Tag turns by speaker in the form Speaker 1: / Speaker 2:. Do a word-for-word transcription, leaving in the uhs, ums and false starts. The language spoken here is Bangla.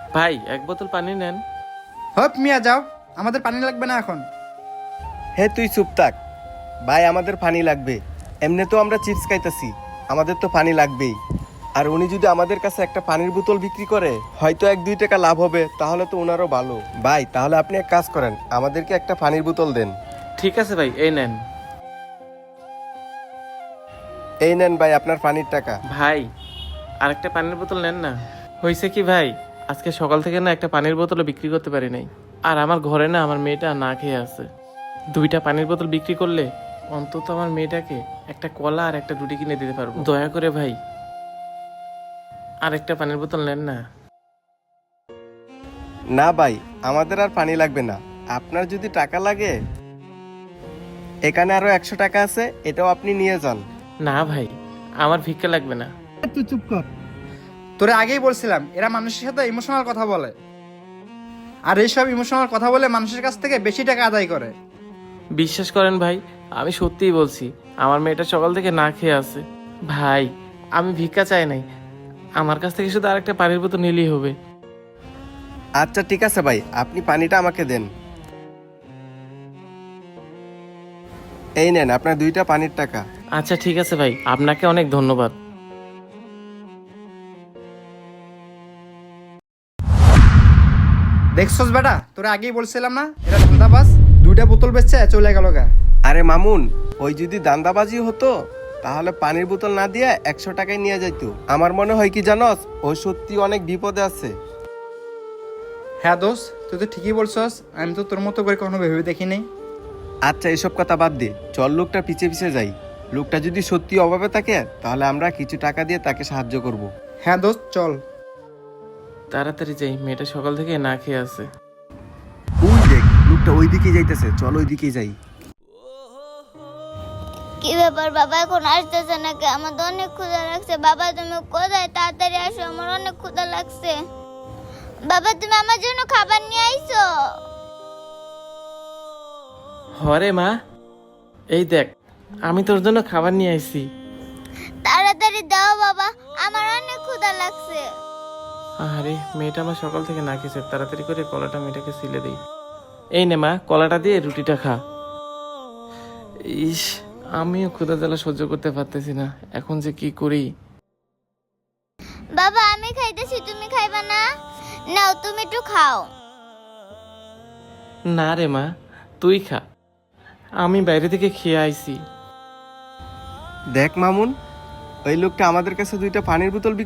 Speaker 1: ভাই এক বোতল পানি নেন।
Speaker 2: হপ মিয়া যাও, আমাদের পানি লাগবে না এখন।
Speaker 3: হে তুই চুপ থাক। ভাই আমাদের পানি লাগবে, এমনি তো আমরা চিপস খাইতেছি, আমাদের তো পানি লাগবেই। আর উনি যদি আমাদের কাছে একটা পানির বোতল বিক্রি করে হয়তো এক দুই টাকা লাভ হবে, তাহলে তো ওনারও ভালো। ভাই তাহলে আপনি এক কাজ করেন, আমাদেরকে একটা পানির বোতল দেন।
Speaker 1: ঠিক আছে ভাই, এই নেন।
Speaker 3: এই নেন ভাই আপনার পানির টাকা।
Speaker 1: ভাই আরেকটা পানির বোতল নেন না। হয়েছে কি ভাই, আজকে সকাল থেকে না একটা পানির বোতলও বিক্রি করতে পারি নাই। আর আমার ঘরে না আমার মেয়েটা না খেয়ে আছে। দুইটা পানির বোতল বিক্রি করলে অন্তত আমার মেয়েটাকে একটা কলা আর একটা রুটি কিনে দিতে পারবো। দয়া করে ভাই আরেকটা পানির বোতল নেন না।
Speaker 3: না ভাই, আমাদের আর পানি লাগবে না। আপনার যদি টাকা লাগে এখানে আরো একশো টাকা আছে, এটাও আপনি নিয়ে যান।
Speaker 1: না ভাই, আমার ভিক্ষা লাগবে না।
Speaker 2: তুই চুপ কর। তোরে আগেই বলছিলাম এরা মানুষের সাথে ইমোশনাল কথা বলে, আর এইসব ইমোশনাল কথা বলে মানুষের কাছ থেকে বেশি টাকা আদায় করে।
Speaker 1: বিশ্বাস করেন ভাই, আমি সত্যিই বলছি, আমার মেয়েটা সকাল থেকে না খেয়ে আছে। ভাই আমি ভিক্ষা চাই নাই, আমার কাছ থেকে শুধু আরেকটা পানির বোতল নিলেই হবে।
Speaker 3: আচ্ছা ঠিক আছে ভাই, আপনি পানিটা আমাকে দেন। এই নেন আপনার দুইটা পানির টাকা।
Speaker 1: আচ্ছা ঠিক আছে ভাই, আপনাকে অনেক ধন্যবাদ।
Speaker 2: দেখছস বেটা, তোরে আগেই বলছিলাম না এরা ধান্দাবাজ। দুইটা বোতল বেচছে চলে গেল গা।
Speaker 3: আরে মামুন, ওই যদি দান্দাবাজি হতো তাহলে পানির বোতল না দিয়ে একশো টাকায় নিয়ে যাইত। আমার মনে হয় কি জানস, ও সত্যি অনেক বিপদে আছে।
Speaker 2: হ্যাঁ দোষ, তুই তো ঠিকই বলছস, আমি তো তোর মতো করে কখনো ভেবে দেখিনি।
Speaker 3: আচ্ছা এসব কথা বাদ দে, চল লোকটা পিছে পিছে যাই। লোকটা যদি সত্যি অভাবে থাকে তাহলে আমরা কিছু টাকা দিয়ে তাকে সাহায্য করব।
Speaker 2: হ্যাঁ দোস্ত চল।
Speaker 1: তাড়াতাড়ি যাই, মেয়েটা সকাল থেকে না খেয়ে আছে।
Speaker 3: ওই দেখ লোকটা ওই দিকে যাইতেছে, চল ওই দিকে যাই।
Speaker 4: কি ব্যাপার বাবা এখন আসতেছে নাকি? আমার তো অনেক ক্ষুধা লাগছে। বাবা তুমি কোথায়? তাড়াতাড়ি আসো, আমার অনেক ক্ষুধা লাগছে। বাবা তুমি আমার জন্য খাবার নিয়ে আইছো?
Speaker 1: হরে মা, এই দেখ আমি তোর জন্য খাবার নিয়ে আইছি।
Speaker 4: তাড়াতাড়ি দাও বাবা, আমার অনেক ক্ষুধা লাগছে।
Speaker 1: আরে মেয়েটা আমার সকাল থেকে না খেয়েছে, তাড়াতাড়ি করে কলাটা মেয়েটাকে সিলে দিই। এই নে মা, কলাটা দিয়ে রুটিটা খা। ইস, আমিও ক্ষুধা জ্বালা সহ্য করতে পারতেছি না, এখন যে কি করি।
Speaker 4: বাবা আমি খাইতেছি, তুমি খাইবা না? নাও তুমি একটু খাও।
Speaker 1: না রে মা, তুই খা, আমি বাইরে থেকে খেয়ে আইছি।
Speaker 3: দেখ মামুন, ওই লোকটা আমাদের কাছে দুইটা পানির বোতল